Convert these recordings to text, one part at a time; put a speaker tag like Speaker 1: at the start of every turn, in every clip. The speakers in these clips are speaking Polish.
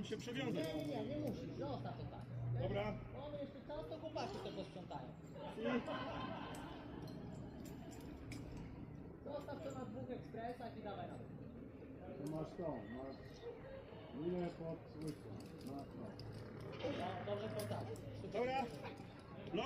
Speaker 1: mam się przewiązać.
Speaker 2: Nie musisz, zostaw to tak.
Speaker 1: Dobra.
Speaker 2: Mamy jeszcze czas, to chłopaki to posprzątają. Zostaw to na dwóch ekspresach i dawaj na dół.
Speaker 3: Tu masz linę pod łyską.
Speaker 2: No, dobrze poddamy.
Speaker 1: Dobra. Blok.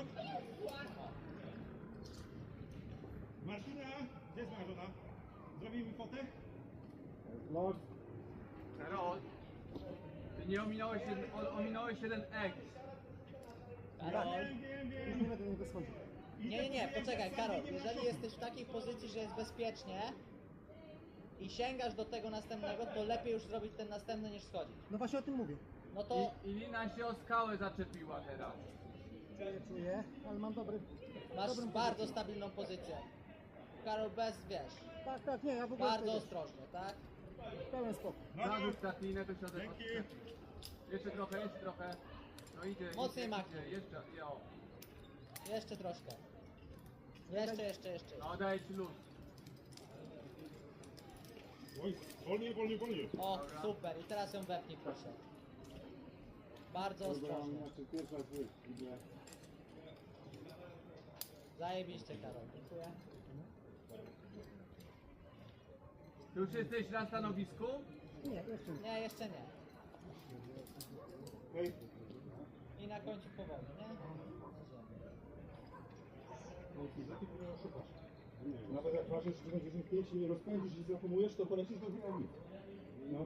Speaker 1: Martyna, gdzie jest moja żona? Zrobimy fotę?
Speaker 3: Blok.
Speaker 4: Karol, ty nie ominąłeś jeden X.
Speaker 2: Karol.
Speaker 1: Wiem.
Speaker 3: Nie będę nie wyschodził.
Speaker 2: Nie, poczekaj, Karol. Jeżeli jesteś w takiej pozycji, że jest bezpiecznie i sięgasz do tego następnego, to lepiej już zrobić ten następny niż schodzić.
Speaker 5: No właśnie o tym mówię.
Speaker 2: No to
Speaker 4: I lina się o skałę zaczepiła teraz.
Speaker 5: Czuję, ale mam dobry...
Speaker 2: masz
Speaker 5: dobrą
Speaker 2: bardzo
Speaker 5: pozycję.
Speaker 2: stabilną pozycję. Karol, bez, wiesz,
Speaker 5: Tak, nie, ja w ogóle
Speaker 2: bardzo
Speaker 5: tutaj
Speaker 2: ostrożnie, tak?
Speaker 5: pełen spokój.
Speaker 4: Zarzuć tak linę, to środek
Speaker 1: Dzięki.
Speaker 4: Jeszcze trochę. No idzie.
Speaker 2: Mocniej
Speaker 4: idzie,
Speaker 2: machnij.
Speaker 4: idzie. Jeszcze, jo.
Speaker 2: Jeszcze troszkę. Jeszcze.
Speaker 4: No daję ci luz.
Speaker 1: Oj, wolniej.
Speaker 2: O, super. I teraz ją wepnij, proszę. Bardzo ostrożnie.
Speaker 3: Znaczy pierwsza z idzie.
Speaker 2: Zajebiście, Karol. Dziękuję.
Speaker 4: Ty już jesteś na stanowisku?
Speaker 5: Nie, jeszcze nie.
Speaker 2: Nie, jeszcze nie.
Speaker 1: Hej.
Speaker 2: I na końcu powoli, nie?
Speaker 1: Nawet jak ważysz 95 i nie rozpędzisz i zahamujesz, to polecisz do dynamiki. No.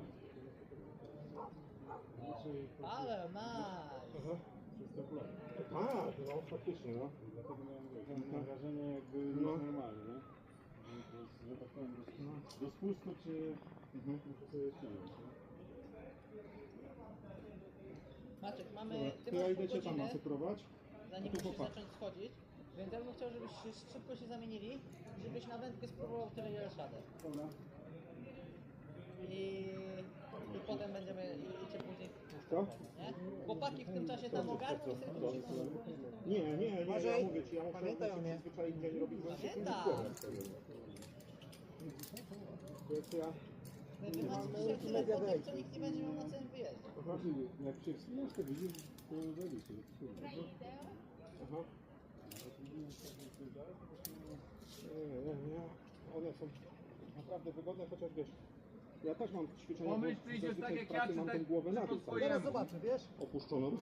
Speaker 2: Ale nice.
Speaker 1: Aha. A, no faktycznie, no.
Speaker 3: Dlatego miałem wrażenie jakby normalnie, nie? Że tak powiem, do spustu czy muszę sobie ściągnąć, nie?
Speaker 2: Maciek, mamy... Ty
Speaker 1: To ja
Speaker 2: masz
Speaker 1: idę
Speaker 2: pół
Speaker 1: cię tam
Speaker 2: godziny,
Speaker 1: masakrować.
Speaker 2: zanim
Speaker 1: A tu
Speaker 2: musisz
Speaker 1: chłopak.
Speaker 2: zacząć schodzić. Więc ja bym chciał, żebyś szybko się zamienili, żebyś na wędkę spróbował tyle, ile radę.
Speaker 3: Dobra.
Speaker 2: I potem będziemy cię później
Speaker 1: Co?
Speaker 2: nie? Chłopaki w tym czasie tam ogarną i sobie później
Speaker 1: Nie, ja
Speaker 5: Uważaj.
Speaker 1: mówię ci, ja muszę
Speaker 5: Pamiętaj o mnie.
Speaker 1: przyzwyczaić dzień robić właśnie
Speaker 2: Pamiętam.
Speaker 1: To jest ja.
Speaker 2: Wy macie dzisiaj tyle fotek, co nikt nie będzie miał na całym wyjeździe.
Speaker 3: Jak się wspinasz, to widzisz, to zajebiście.
Speaker 1: Aha. Nie. One są naprawdę wygodne, chociaż wiesz, ja też mam ćwiczenia,
Speaker 4: Pomyśl,
Speaker 1: bo
Speaker 4: czy idziesz
Speaker 1: zazwyczaj
Speaker 4: tak jak
Speaker 1: w pracy
Speaker 4: ja, czy
Speaker 1: mam
Speaker 4: tak
Speaker 1: tą głowę na
Speaker 4: po
Speaker 1: dół
Speaker 4: swojemu?
Speaker 1: cały
Speaker 5: Teraz
Speaker 1: czas
Speaker 5: zobaczę, wiesz?
Speaker 1: opuszczoną.